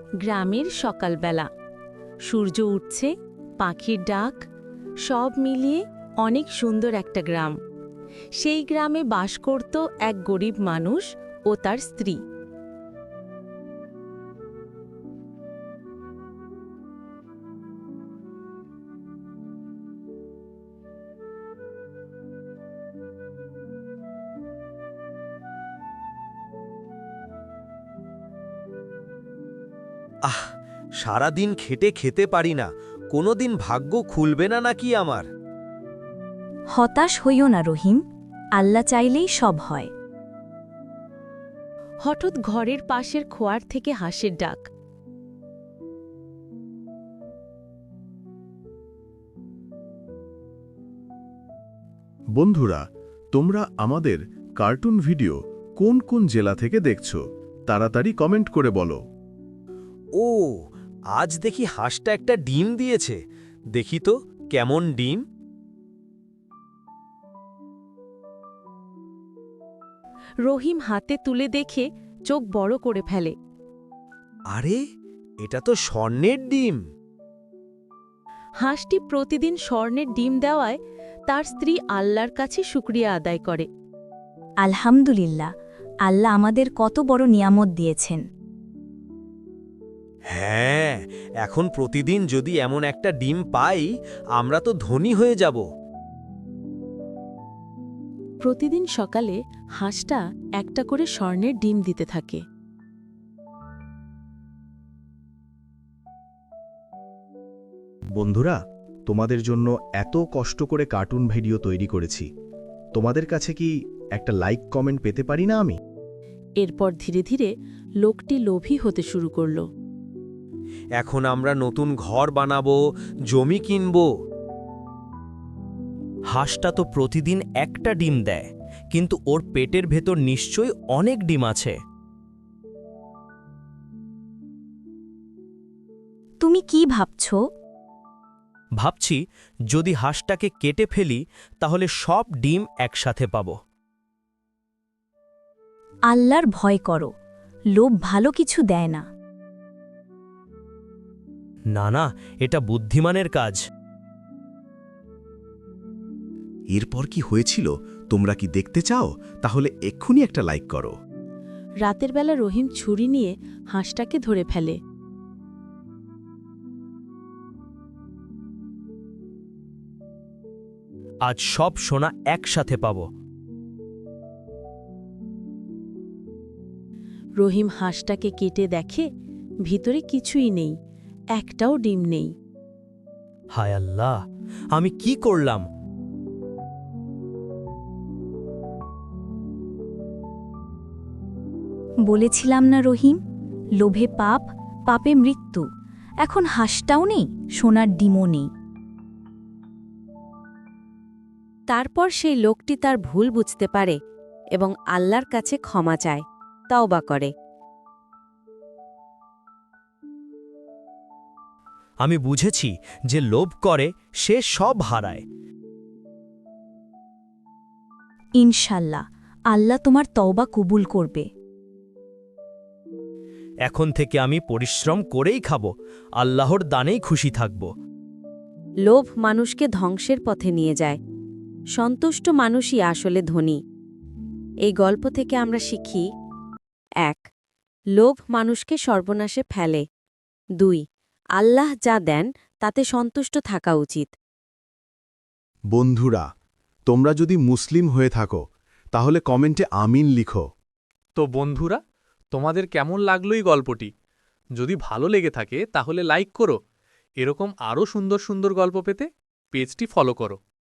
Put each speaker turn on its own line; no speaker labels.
গ্রামের সকালবেলা সূর্য উঠছে, পাখির ডাক, সব মিলিয়ে অনেক সুন্দর একটা গ্রাম। সেই গ্রামে বাস করত এক গরিব মানুষ ও তার স্ত্রী।
আহ, সারাদিন খেটে খেতে পারি না, কোনোদিন ভাগ্য খুলবে না নাকি আমার?
হতাশ হইও না রহিম, আল্লাহ চাইলেই সব হয়।
হঠাৎ ঘরের পাশের খোয়ার থেকে হাঁসের ডাক।
বন্ধুরা, তোমরা আমাদের কার্টুন ভিডিও কোন কোন জেলা থেকে দেখছো তাড়াতাড়ি কমেন্ট করে বলো।
ও, আজ দেখি হাঁসটা একটা ডিম দিয়েছে। দেখি তো কেমন ডিম।
রহিম হাতে তুলে দেখে চোখ বড় করে ফেলে।
আরে, এটা তো স্বর্ণের ডিম।
হাঁসটি প্রতিদিন স্বর্ণের ডিম দেওয়ায় তার স্ত্রী আল্লাহর কাছে শুকরিয়া আদায় করে।
আলহামদুলিল্লাহ, আল্লাহ আমাদের কত বড় নিয়ামত দিয়েছেন।
হ্যাঁ, এখন প্রতিদিন যদি এমন একটা ডিম পাই, আমরা তো ধনী হয়ে যাব।
প্রতিদিন সকালে হাঁসটা একটা করে স্বর্ণের ডিম দিতে থাকে।
বন্ধুরা, তোমাদের জন্য এত কষ্ট করে কার্টুন ভিডিও তৈরি করেছি, তোমাদের কাছে কি একটা লাইক কমেন্ট পেতে পারি না আমি?
এরপর ধীরে ধীরে লোকটি লোভী হতে শুরু করল।
এখন আমরা নতুন ঘর বানাবো, জমি কিনবো। হাঁসটা তো প্রতিদিন একটা ডিম দেয়, কিন্তু ওর পেটের ভেতর নিশ্চয়ই অনেক ডিম আছে।
তুমি কি ভাবছো?
ভাবছি, যদি হাঁসটাকে কেটে ফেলি তাহলে সব ডিম একসাথে পাব।
আল্লাহর ভয় করো, লোভ ভালো কিছু দেয় না।
না না, এটা বুদ্ধিমানের কাজ।
এরপর কি হয়েছিল তোমরা কি দেখতে চাও? তাহলে এক্ষুনি একটা লাইক করো।
রাতের বেলা রহিম ছুরি নিয়ে হাঁসটাকে ধরে ফেলে।
আজ সব সোনা একসাথে পাব।
রহিম হাঁসটাকে কেটে দেখে ভিতরে কিছুই নেই, একটাও ডিম নেই।
হায় আল্লাহ, আমি কি করলাম?
বলেছিলাম না রহিম, লোভে পাপ, পাপে মৃত্যু। এখন হাঁসটাও নেই, সোনার ডিমও নেই।
তারপর সেই লোকটি তার ভুল বুঝতে পারে এবং আল্লাহর কাছে ক্ষমা চায়, তওবা করে।
আমি বুঝেছি যে লোভ করে সে সব হারায়।
ইনশাল্লাহ, আল্লাহ তোমার তওবা কবুল করবে।
এখন থেকে আমি পরিশ্রম করেই খাব, আল্লাহর দানেই খুশি থাকব।
লোভ মানুষকে ধ্বংসের পথে নিয়ে যায়, সন্তুষ্ট মানুষই আসলে ধনী। এই গল্প থেকে আমরা শিখি: ১. লোভ মানুষকে সর্বনাশে ফেলে। ২. আল্লাহ যা দেন তাতে সন্তুষ্ট থাকা উচিত।
বন্ধুরা, তোমরা যদি মুসলিম হয়ে থাকো তাহলে কমেন্টে আমিন লিখো।
তো বন্ধুরা, তোমাদের কেমন লাগলো এই গল্পটি? যদি ভালো লেগে থাকে তাহলে লাইক করো। এরকম আরও সুন্দর সুন্দর গল্প পেতে পেজটি ফলো করো।